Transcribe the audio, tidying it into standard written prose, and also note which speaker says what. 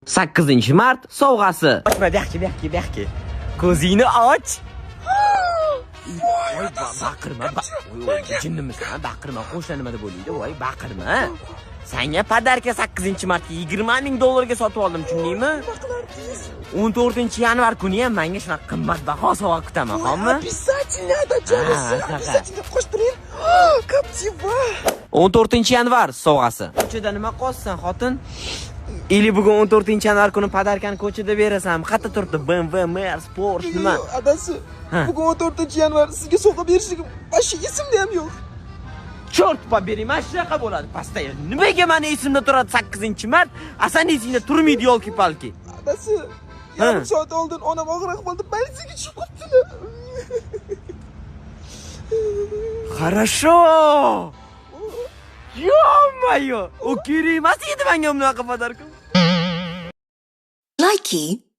Speaker 1: 8-mart sovg'asi.
Speaker 2: Ochma, bu yoqqa. Ko'zingni och. Voy, baqirma. Voy, jinnimisan? Baqirma, qo'shni nima deb o'ylaydi? Voy, baqirma. Senga podarka 8-martga $20,000 ga sotib oldim, tushundingmi? 14-yanvar kuni ham menga shunaqa qimmatbaho sovg'a kutaman, xo'pmi?
Speaker 3: Обязательно, обязательно qo'shib turing. Captiva.
Speaker 1: 14-yanvar sovg'asi. Ko'chada nima qolsan, xotin? Ili bugun 14-yanvar kuni podarkani ko'chada berasan. Qayerda turibdi? BMW, Mercedes, Porsche nima?
Speaker 3: Adasi, bugun 14-yanvar sizga sovg'a berishim boshqa esimda ham yo'q.
Speaker 1: Chort poberi, mana shunaqa bo'ladi. Pastaya. Nimaga meni esimda turadi 8-mart? Asan esingda turmaydi yo'lki palki.
Speaker 3: Adasi, yarim soat oldin onam og'ir ahvolda politsiyaga tushib qoptilar.
Speaker 1: Хорошо. Ё-моё! U kerak emas edi menga bunaqa podarka.
Speaker 4: Likey